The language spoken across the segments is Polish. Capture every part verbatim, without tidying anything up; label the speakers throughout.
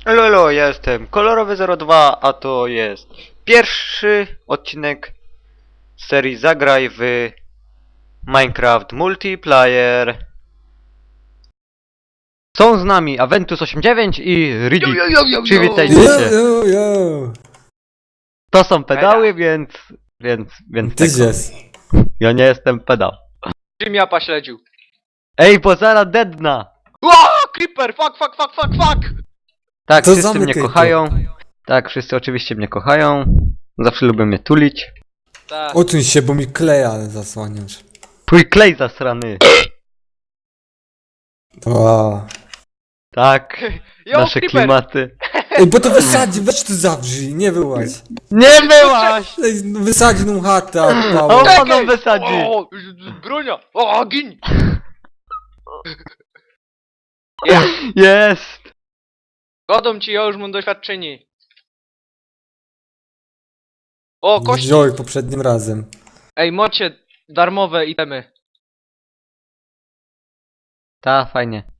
Speaker 1: Lolo, ja jestem kolorowy zero dwa, a to jest pierwszy odcinek serii Zagraj w Minecraft Multiplayer. Są z nami Aventus osiemdziesiąt dziewięć i Riddick.
Speaker 2: Yo, yo, yo, yo,
Speaker 1: Przywitajcie
Speaker 2: yo.
Speaker 1: się.
Speaker 3: Yo, yo.
Speaker 1: To są pedały, więc... więc... więc
Speaker 3: Ty
Speaker 1: tego.
Speaker 3: jest.
Speaker 1: Ja nie jestem pedał.
Speaker 2: Czym ja paśledził?
Speaker 1: Ej, bo zaraz deadna!
Speaker 2: Ło! Creeper! Fuck, fuck, fuck, fuck, fuck!
Speaker 1: Tak,
Speaker 3: To
Speaker 1: wszyscy
Speaker 3: zamykaj
Speaker 1: mnie
Speaker 3: to.
Speaker 1: kochają. Tak, wszyscy oczywiście mnie kochają. Zawsze lubią mnie tulić.
Speaker 2: Tak.
Speaker 3: Odsuń się, bo mi kleja zasłaniasz.
Speaker 1: Twój klej zasrany.
Speaker 3: Wow.
Speaker 1: Tak,
Speaker 2: Yo,
Speaker 1: nasze
Speaker 2: Creeper!
Speaker 1: klimaty.
Speaker 3: Ej, bo to wysadzi, weź tu zawrzyj, nie wyłaź.
Speaker 1: Nie byłaś!
Speaker 3: Ej, no wysadzi nam chatę,
Speaker 1: O,
Speaker 3: odpałę.
Speaker 1: Czekaj! Panom wysadzi.
Speaker 2: O, bronia! O, gin! Ja,
Speaker 1: Jest!
Speaker 2: godą ci, ja już mam doświadczenie. O, kości!
Speaker 3: Wziął poprzednim razem.
Speaker 2: Ej, mocie darmowe itemy.
Speaker 1: Ta, fajnie.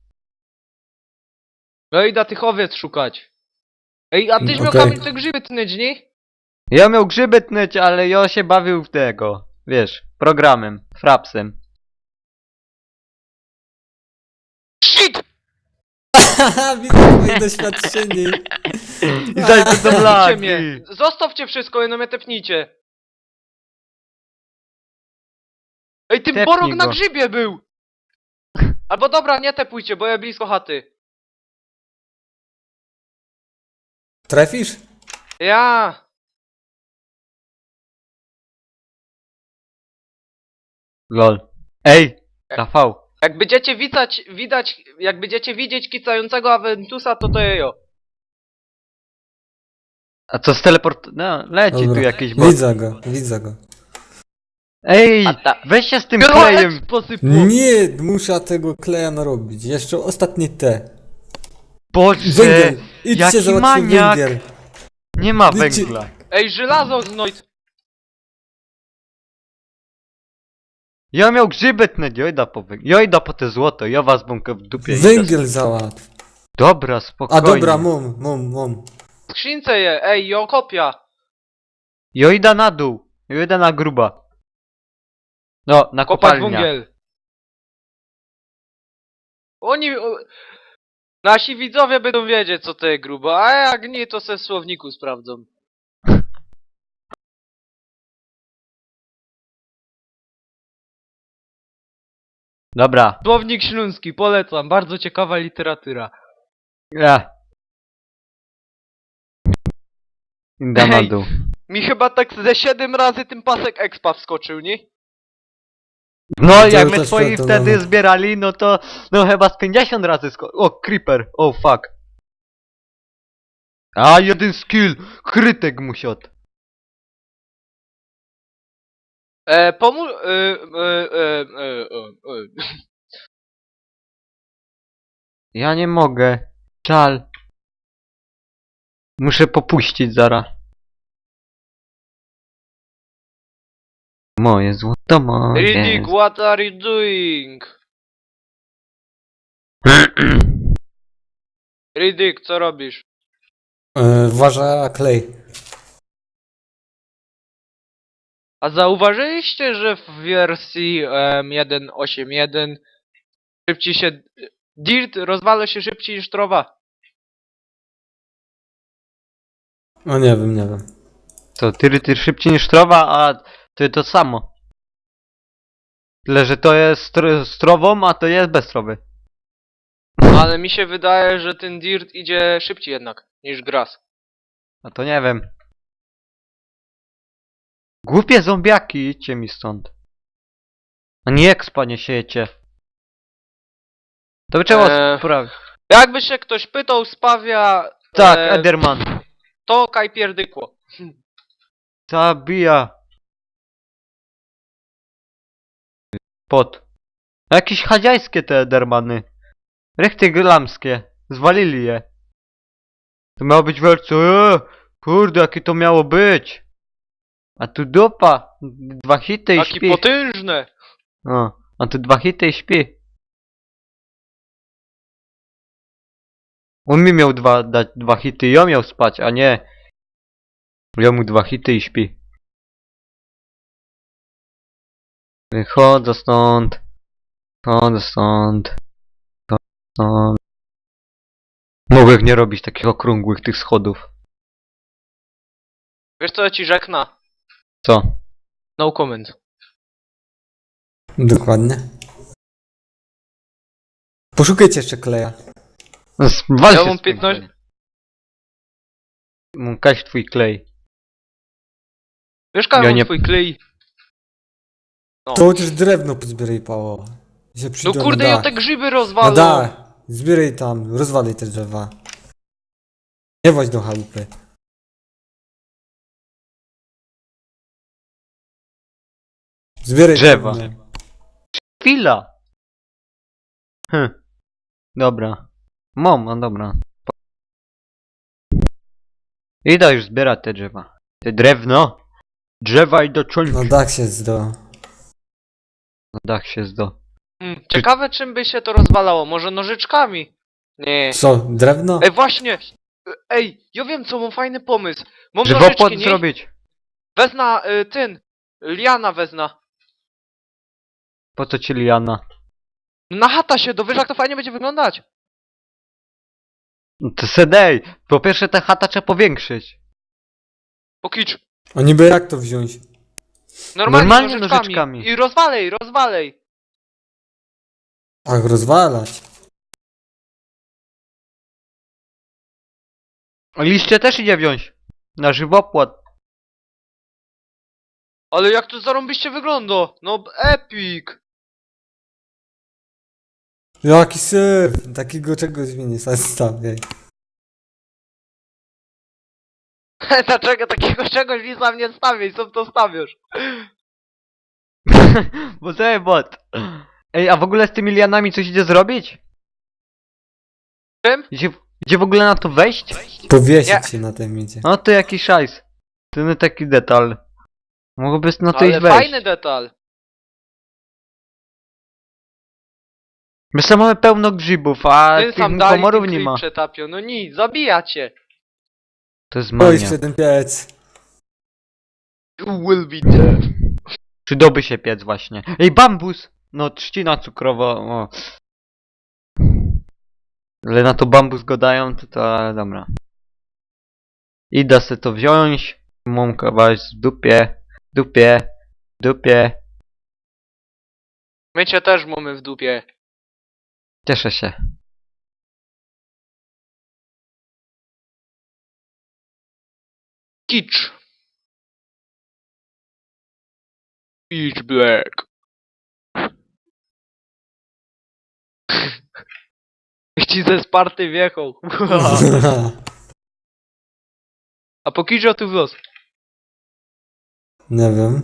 Speaker 2: No idę tych owiec szukać. Ej, a tyś miał
Speaker 3: Okej.
Speaker 2: kamień te grzyby tnąć, nie?
Speaker 1: Ja miał grzyby tnąć, ale ja się bawił w tego. Wiesz, programem, frapsem.
Speaker 2: Shit!
Speaker 3: Haha, widzę twoje doświadczenie.
Speaker 1: I daj to do
Speaker 2: Tepnijcie
Speaker 1: lagi.
Speaker 2: mnie! Zostawcie wszystko, no mnie tepnijcie. Ej, ty
Speaker 1: Tepnij
Speaker 2: borok na
Speaker 1: go.
Speaker 2: grzybie był! Albo dobra, nie tepujcie, bo ja blisko chaty.
Speaker 3: Trafisz?
Speaker 2: Ja.
Speaker 1: Lol. Ej, Rafał.
Speaker 2: Jak będziecie widać, widać, jak będziecie widzieć kicającego Aventusa, to to jejo.
Speaker 1: A co z teleport... No, leci tu
Speaker 3: Dobra.
Speaker 1: jakiś bot.
Speaker 3: Widzę go, widzę go.
Speaker 1: Ej,
Speaker 2: A ta-
Speaker 1: weź się z tym
Speaker 2: Było
Speaker 1: klejem.
Speaker 2: posypło.
Speaker 3: Nie, muszę tego kleja narobić. Jeszcze ostatnie te.
Speaker 1: Boże,
Speaker 3: Węgiel! Idźcie
Speaker 1: jaki
Speaker 3: załatwić
Speaker 1: maniak.
Speaker 3: węgiel.
Speaker 1: Nie ma
Speaker 3: Idźcie.
Speaker 1: węgla.
Speaker 2: Ej, żelazo znojd.
Speaker 1: Ja miał grzyby tnąć, jojda po węgiel. Jojda po te złoto, ja was bąkę w dupie. idę.
Speaker 3: Węgiel załatw.
Speaker 1: Dobra,
Speaker 3: A
Speaker 1: spokojnie.
Speaker 3: dobra, mum, mum, mum.
Speaker 2: W skrzynce je, ej, jo kopia.
Speaker 1: Jojda na dół. Jojda na gruba. No, na
Speaker 2: Kopać
Speaker 1: kopalnia.
Speaker 2: węgiel. Oni... O, nasi widzowie będą wiedzieć, co to jest grubo, a jak nie, to se w słowniku sprawdzą.
Speaker 1: Dobra.
Speaker 2: Słownik śląski, polecam, bardzo ciekawa literatura.
Speaker 1: Ja. Inda na
Speaker 2: Ej.
Speaker 1: dół.
Speaker 2: Mi chyba tak ze siedem razy ten pasek expa wskoczył, nie?
Speaker 1: No,
Speaker 3: To
Speaker 1: jak
Speaker 3: ja
Speaker 1: my
Speaker 3: też
Speaker 1: twoi
Speaker 3: pamiętam,
Speaker 1: wtedy
Speaker 3: no.
Speaker 1: zbierali, no to... No chyba z pięćdziesiąt razy sko... O, creeper. O, fuck. A, jeden skill. Krytek musiot.
Speaker 2: E, pomóż... E, e, e, e, e, e.
Speaker 1: Ja nie mogę. Czal. Muszę popuścić zaraz. Moje złoto, moje...
Speaker 2: Riddick, what are you doing? Riddick, co robisz?
Speaker 3: E, Uważa klej.
Speaker 2: A zauważyliście, że w wersji um, jeden osiem jeden szybciej się... Dirt rozwala się szybciej niż trowa.
Speaker 3: No nie wiem, nie wiem.
Speaker 1: To tyry, tyry szybciej niż trawa, a to jest to samo. Tyle, że to jest stro z trową, a to jest bez trowy.
Speaker 2: Ale mi się wydaje, że ten dirt idzie szybciej jednak niż grass.
Speaker 1: A to nie wiem. Głupie zombiaki, idźcie mi stąd. A nie expa nie siejecie. To by trzeba
Speaker 2: Eee.
Speaker 1: sprawić.
Speaker 2: Jakby się ktoś pytał, spawia...
Speaker 1: Tak,
Speaker 2: e,
Speaker 1: Ederman.
Speaker 2: To kaj pierdykło.
Speaker 1: Zabija. Pot. Jakieś chadziajskie te Edermany. Rechty glamskie. Zwalili je. To miało być wielce. Eee, kurde, jakie to miało być. A tu dupa. Dwa hity i
Speaker 2: Taki
Speaker 1: śpi.
Speaker 2: potężny.
Speaker 1: O, a tu dwa hity i śpi. On mi miał dwa, dać dwa hity i ja miał spać, a nie. Ja mu dwa hity i śpi. Wychodzę stąd. Wychodzę stąd. Wychodzę stąd. Mogę nie robić takich okrągłych tych schodów.
Speaker 2: Wiesz co ja ci rzekna?
Speaker 1: Co?
Speaker 2: No comment.
Speaker 3: Dokładnie. Poszukajcie jeszcze kleja.
Speaker 1: Wal
Speaker 2: Ja
Speaker 1: się
Speaker 2: mam
Speaker 1: z tym
Speaker 2: piętnaście
Speaker 1: klejem. Mm, Kaś twój klej.
Speaker 2: Wiesz, Karol,
Speaker 1: Ja nie-
Speaker 2: twój klej. No.
Speaker 3: To chociaż drewno pozbieraj, Paweł. Się
Speaker 2: No
Speaker 3: przyjdą
Speaker 2: kurde,
Speaker 3: na
Speaker 2: ja
Speaker 3: dach.
Speaker 2: te grzyby
Speaker 3: Na
Speaker 2: rozwalą.
Speaker 3: dach. Zbieraj tam, rozwalaj te drzewa. Nie chodź do chałupy. Zbieraj
Speaker 1: Drzewa.
Speaker 3: drewno.
Speaker 1: Chwila! Hm. Dobra. Mam, no dobra. Idę już zbierać te drzewa. Te drewno. Drzewa i do czolki.
Speaker 3: Na dach się zdo.
Speaker 1: Na dach się zdo.
Speaker 2: Hmm, ciekawe czym by się to rozwalało. Może nożyczkami? Nie.
Speaker 3: Co, drewno?
Speaker 2: Ej, właśnie! Ej, ja wiem co, mam fajny pomysł. Mam
Speaker 1: Żywopłot
Speaker 2: nożyczki, nie?
Speaker 1: zrobić.
Speaker 2: Wezna, y, ten. Liana wezna.
Speaker 1: Po co ci liana?
Speaker 2: Na chata się dowiesz, jak to fajnie będzie wyglądać.
Speaker 1: No to sedej. Po pierwsze ta chata trzeba powiększyć.
Speaker 2: Pokicz.
Speaker 3: A niby jak to wziąć?
Speaker 2: Normalnie,
Speaker 1: Normalnie
Speaker 2: nożyczkami.
Speaker 1: nożyczkami.
Speaker 2: I rozwalej, rozwalej.
Speaker 3: Ach, rozwalać.
Speaker 1: Liście też idzie wziąć. Na żywopłot.
Speaker 2: Ale jak to zarąbiście wygląda? No epic.
Speaker 3: Jaki syf! Takiego czegoś mi nie stawiaj.
Speaker 2: Dlaczego takiego czegoś mi sam nie stawiaj? Co to stawiasz?
Speaker 1: Bo sobie bot. Ej, a w ogóle z tymi lianami coś idzie zrobić?
Speaker 2: Czym?
Speaker 1: Gdzie, gdzie w ogóle na to wejść?
Speaker 3: Powiesić
Speaker 2: Nie.
Speaker 3: się na tym idzie.
Speaker 1: No to jakiś szajs. To nie taki detal. Mogłoby na to
Speaker 2: Ale
Speaker 1: iść wejść.
Speaker 2: fajny detal.
Speaker 1: My sam mamy pełno grzybów, a
Speaker 2: Ty
Speaker 1: tych
Speaker 2: sam dali
Speaker 1: komorów
Speaker 2: tym
Speaker 1: nie
Speaker 2: klip
Speaker 1: ma.
Speaker 2: przetapią. No nic, zabija cię.
Speaker 1: To jest
Speaker 3: O,
Speaker 1: mania.
Speaker 3: jeszcze ten piec.
Speaker 2: You will be dead.
Speaker 1: Przydałby się piec właśnie. Ej, bambus! No, trzcina cukrowa, o. Ale na to bambus go dają, to to, ale dobra. Idę se to wziąć. Mam kawałek w dupie, dupie, dupie.
Speaker 2: My cię też mamy w dupie.
Speaker 1: Cieszę się.
Speaker 2: Kicz. Pitch black. Ci ze Sparty wjechał. A po kiczu tu w los.
Speaker 3: Nie wiem.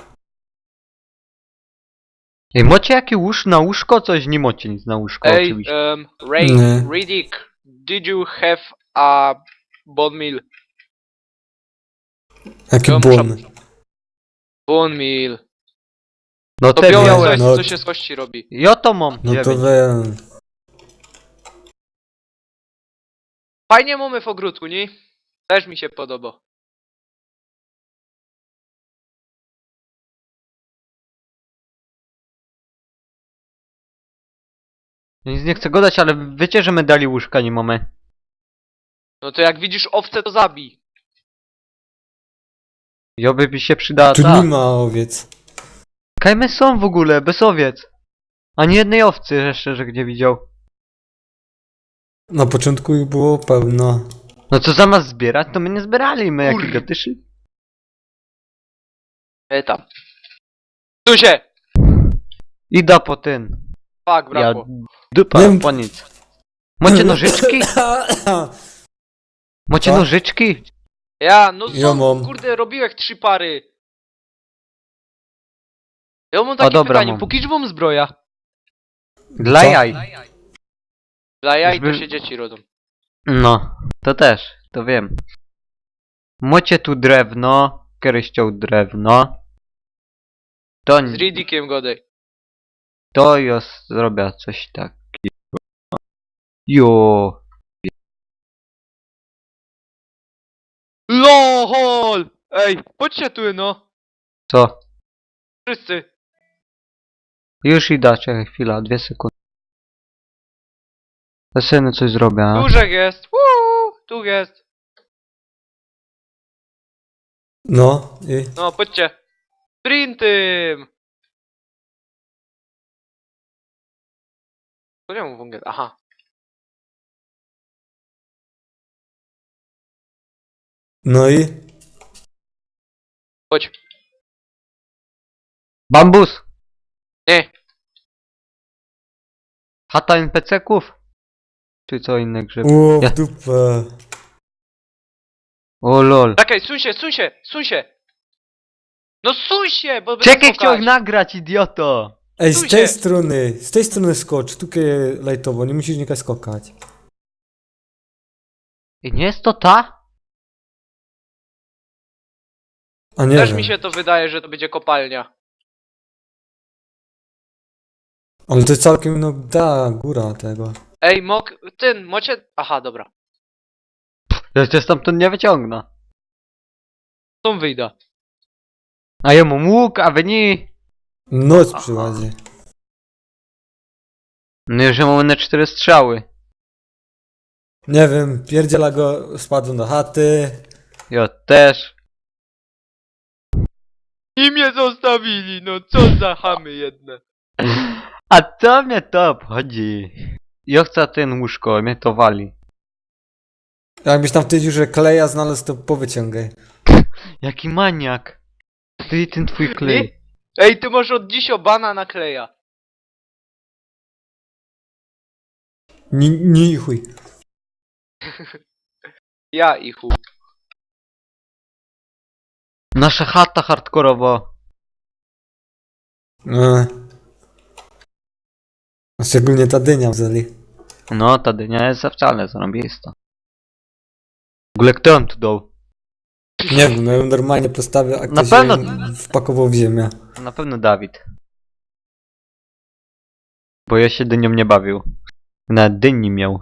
Speaker 1: Ej, macie jakie łóż na łóżko? Coś nie macie nic na łóżko,
Speaker 2: Ej,
Speaker 1: oczywiście.
Speaker 2: um, Ray,
Speaker 3: Nie.
Speaker 2: Riddick, did you have a bone meal?
Speaker 3: Jaki
Speaker 2: Ja
Speaker 3: błon.
Speaker 2: muszę- Bone meal.
Speaker 1: No
Speaker 2: To
Speaker 1: te
Speaker 2: białe
Speaker 1: białe.
Speaker 2: coś,
Speaker 3: no-
Speaker 2: co się z kości robi.
Speaker 1: Ja to mam.
Speaker 3: No to
Speaker 1: dziewięć.
Speaker 3: wiem.
Speaker 2: Fajnie mamy w ogródku, nie? Też mi się podoba.
Speaker 1: Nic nie chcę gadać, ale wiecie, że my dali łóżka nie mamy.
Speaker 2: No to jak widzisz owce, to zabij.
Speaker 1: Joby by się przydała
Speaker 3: Tu
Speaker 1: ta.
Speaker 3: nie ma owiec.
Speaker 1: Kajmy są w ogóle, bez owiec. Ani jednej owcy jeszcze, że gdzie widział.
Speaker 3: Na początku ich było pełno.
Speaker 1: No co zamiast zbierać, to my nie zbierali, my
Speaker 2: Kur-
Speaker 1: jakie gatyszy.
Speaker 2: E tam. Tu się!
Speaker 1: Ida po ten.
Speaker 2: Fuck,
Speaker 1: Ja
Speaker 2: brakło.
Speaker 1: dupa,
Speaker 3: Nie-
Speaker 1: po nic. Macie nożyczki? Macie
Speaker 3: Co?
Speaker 1: nożyczki?
Speaker 2: Ja, no
Speaker 3: Ja
Speaker 2: co,
Speaker 3: mam.
Speaker 2: kurde, robiłeś trzy pary. Ja mam takie
Speaker 1: dobra,
Speaker 2: pytanie,
Speaker 1: mam.
Speaker 2: po kiczbom zbroja?
Speaker 1: Dla
Speaker 3: Co?
Speaker 1: jaj.
Speaker 2: Dla jaj to
Speaker 1: Żeby-
Speaker 2: się dzieci rodzą.
Speaker 1: No, to też, to wiem. Macie tu drewno, kryścią drewno. To,
Speaker 2: Z Riddickiem godej.
Speaker 1: to ja zrobię coś takiego. Jo.
Speaker 2: Alkohol! Ej, chodźcie tu, no.
Speaker 1: Co?
Speaker 2: Wszyscy.
Speaker 1: Już idę, czekaj chwila, dwie sekundy. Ja synu coś zrobię, a?
Speaker 2: Dużek jest. Uuu, tu jest.
Speaker 3: No i...
Speaker 2: No, chodźcie. Sprintem. To nie mam wągiel. Aha.
Speaker 3: No i...
Speaker 2: Chodź.
Speaker 1: Bambus!
Speaker 2: Nie.
Speaker 1: Chata en pe ce ków? Czy co inne grzyb?
Speaker 3: O,
Speaker 1: Ja-
Speaker 3: w dupę.
Speaker 1: O lol.
Speaker 2: Czekaj, suń się, suń się, suń się. No suń się, bo będę
Speaker 1: Czekaj,
Speaker 2: skakać.
Speaker 1: chciałem nagrać, idioto!
Speaker 3: Ej,
Speaker 2: Stój
Speaker 3: z tej
Speaker 2: się.
Speaker 3: strony, z tej strony skocz, tu lajtowo, nie musisz nikać skakać.
Speaker 1: I nie jest to ta?
Speaker 3: A nie
Speaker 2: Też
Speaker 3: wiem.
Speaker 2: mi się to wydaje, że to będzie kopalnia.
Speaker 3: Ale to jest całkiem, no, da, góra tego.
Speaker 2: Ej, mok, ten, mocie... Aha, dobra.
Speaker 1: Ja cię stamtąd nie wyciągnę.
Speaker 2: Stąd wyjdę.
Speaker 1: A ja mam łuk, a wy nie.
Speaker 3: Noc przychodzi.
Speaker 1: No już ja mam na cztery strzały.
Speaker 3: Nie wiem, pierdziela go, spadł do chaty.
Speaker 1: Ja też.
Speaker 2: I mnie zostawili, no co za chamy jedne.
Speaker 1: A co mnie to obchodzi? Ja chcę ten łóżko, mnie to wali.
Speaker 3: Jakbyś tam w tej dziurze kleja znalazł, to powyciągaj.
Speaker 1: Jaki maniak. Ty i ten twój klej.
Speaker 2: Ej, ty masz od dziś obana nakleja.
Speaker 3: Ni, ni chuj.
Speaker 2: Ja i chuj.
Speaker 1: Nasza chata hardkorowo.
Speaker 3: E. A szczególnie ta dynia w zeli.
Speaker 1: No, ta dynia jest wcale zarąbista. W ogóle kto ją tu dał?
Speaker 3: Nie wiem, no ją normalnie postawię, a
Speaker 1: Na
Speaker 3: ktoś
Speaker 1: pewno-
Speaker 3: ją wpakował w ziemię.
Speaker 1: Na pewno Dawid. Bo ja się dynią nie bawił. Nawet dyni miał.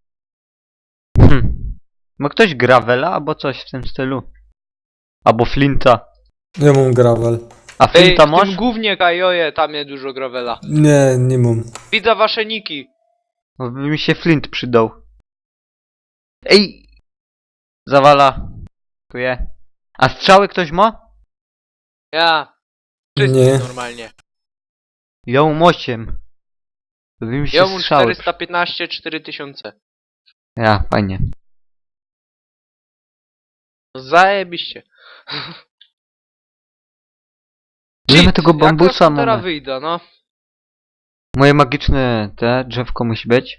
Speaker 1: Hm. Ma ktoś gravela albo coś w tym stylu? Albo flinta.
Speaker 3: Ja mam gravel.
Speaker 1: A
Speaker 2: Ej,
Speaker 1: flinta
Speaker 2: w
Speaker 1: masz?
Speaker 2: tym głównie kajoje, tam jest dużo gravela.
Speaker 3: Nie, nie mam.
Speaker 2: Widzę wasze niki.
Speaker 1: No, by mi się flint przydał. Ej! Zawala. Tu je. A strzały ktoś ma?
Speaker 2: Ja. Wszyscy
Speaker 3: Nie.
Speaker 2: normalnie.
Speaker 1: Ja mam osiem. To by mi się
Speaker 2: Ja mam
Speaker 1: strzały.
Speaker 2: czterysta piętnaście, cztery tysiące.
Speaker 1: Ja, fajnie.
Speaker 2: No zajebiście.
Speaker 1: Ile my
Speaker 2: Cheat,
Speaker 1: tego bambusa
Speaker 2: jak ja teraz
Speaker 1: mamy?
Speaker 2: wyjdę, no.
Speaker 1: Moje magiczne te drzewko musi być.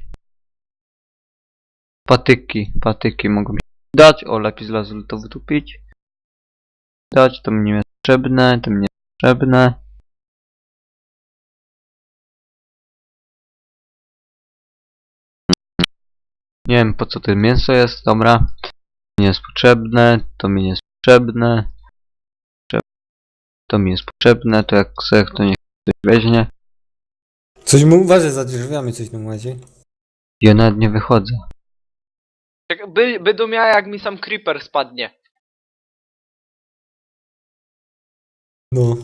Speaker 1: Patyki, patyki mogą mi dać. O, lepiej z lasu to wytupić. Dać, to mnie jest potrzebne, to mnie jest potrzebne. Nie wiem po co to mięso jest, dobra. Nie jest potrzebne, to mi nie jest potrzebne. To mi jest potrzebne, to jak sobie to niech ktoś weźmie.
Speaker 3: Coś mu uważaj, za drzwiami coś tam łazi.
Speaker 1: Ja nawet nie wychodzę.
Speaker 2: Czekaj, By, będą miała jak mi sam creeper spadnie.
Speaker 3: No.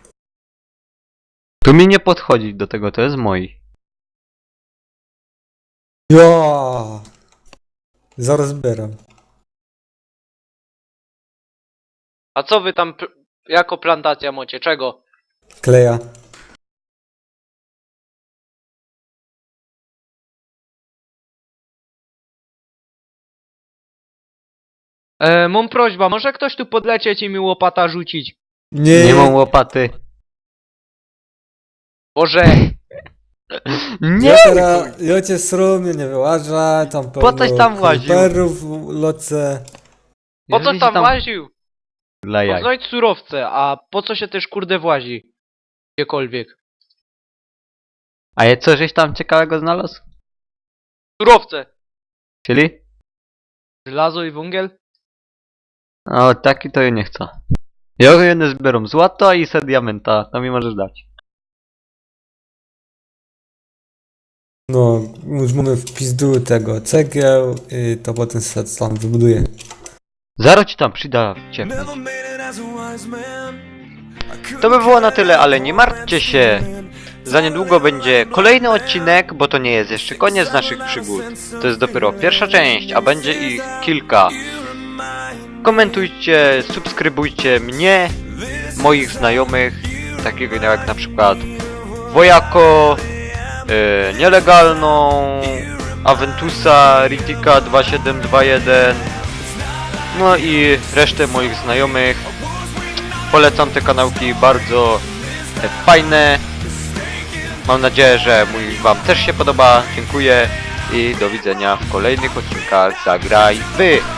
Speaker 1: Tu mi nie podchodzić do tego, to jest moi.
Speaker 3: Ja. Zaraz zbieram.
Speaker 2: A co wy tam pl- jako plantacja macie? Czego?
Speaker 3: Kleja.
Speaker 2: E, mam prośba, może ktoś tu podlecieć i mi łopata rzucić?
Speaker 3: Nie,
Speaker 1: Nie mam łopaty.
Speaker 2: Boże!
Speaker 1: Nie!
Speaker 3: Ja teraz, ja cię srumie nie wyłażę, tam
Speaker 1: Po coś
Speaker 3: pełno
Speaker 1: tam łaził.
Speaker 3: creeperów w loce.
Speaker 2: Po co
Speaker 1: Jeżeli
Speaker 2: tam
Speaker 1: się
Speaker 2: łaził?
Speaker 1: Dla jaj.
Speaker 2: Poznać surowce, a po co się też kurde włazi? Gdziekolwiek.
Speaker 1: A je co żeś tam ciekawego znalazł?
Speaker 2: Surowce!
Speaker 1: Czyli?
Speaker 2: Żelazo i węgiel?
Speaker 1: O, taki to ja nie chcę. Ja jedne zbieram złoto i se diamenta, to mi możesz dać.
Speaker 3: No, już mamy w pizdu tego cegieł i to potem se tam wybuduję.
Speaker 1: Zaro ci tam przyda ciepło. To by było na tyle, ale nie martwcie się. Za niedługo będzie kolejny odcinek, bo to nie jest jeszcze koniec naszych przygód. To jest dopiero pierwsza część, a będzie ich kilka. Komentujcie, subskrybujcie mnie, moich znajomych, takiego jak na przykład Wojako, yy, Nielegalną, Aventusa, Ritika dwa siedem dwa jeden, no i resztę moich znajomych. Polecam te kanałki, bardzo e, fajne. Mam nadzieję, że mój wam też się podoba. Dziękuję i do widzenia w kolejnych odcinkach Zagraj Wy.